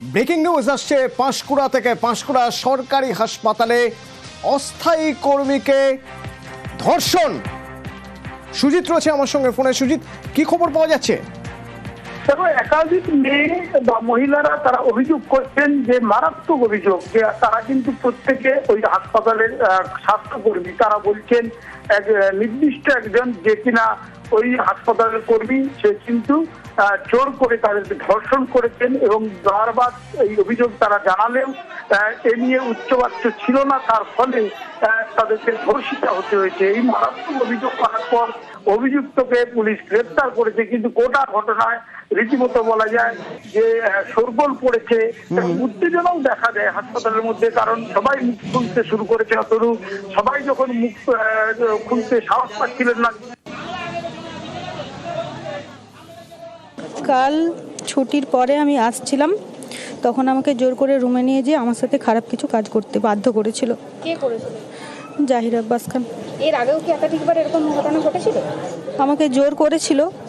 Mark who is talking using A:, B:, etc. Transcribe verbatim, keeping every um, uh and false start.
A: Breaking news আসছে পাঁশকুড়া থেকে। পাঁশকুড়া সরকারি হাসপাতালে অস্থায়ী কর্মীকে ধর্ষণ। সুজিত রয়েছে আমার সঙ্গে ফোনে। সুজিত, কি খবর পাওয়া যাচ্ছে?
B: দেখো, একাধিক মেয়ে বা মহিলারা তারা অভিযোগ করছেন যে মারাত্মক অভিযোগ যে তারা কিন্তু প্রত্যেকে ওই হাসপাতালের স্বাস্থ্যকর্মী। তারা বলছেন এক নির্দিষ্ট একজন যে কিনা ওই হাসপাতালের কর্মী, সে কিন্তু জোর করে তাদেরকে ধর্ষণ করেছেন এবং বারবার এই অভিযোগ তারা জানালেও এ নিয়ে উচ্চবাচ্য ছিল না, তার ফলে তাদেরকে ধর্ষিত হতে হয়েছে। এই মারাত্মক অভিযোগ করার পর অভিযুক্তকে পুলিশ গ্রেপ্তার করেছে, কিন্তু গোটা ঘটনায় রীতিমতো বলা যায় যে শোরগোল পড়েছে, উত্তেজনাও দেখা যায় হাসপাতালের মধ্যে। কারণ সবাই মুখ খুলতে শুরু করেছে, অতরু সবাই যখন মুখ খুলতে সাহস পাচ্ছিলেন না।
C: কাল ছুটির পরে আমি আসছিলাম, তখন আমাকে জোর করে রুমে নিয়ে যেয়ে আমার সাথে খারাপ কিছু কাজ করতে বাধ্য করেছিল।
D: কে করেছিল?
C: জাহির আব্বাস খান।
D: এর আগেও কি একাধিকবার এরকম ঘটনা ঘটেছিল?
C: আমাকে জোর করেছিল,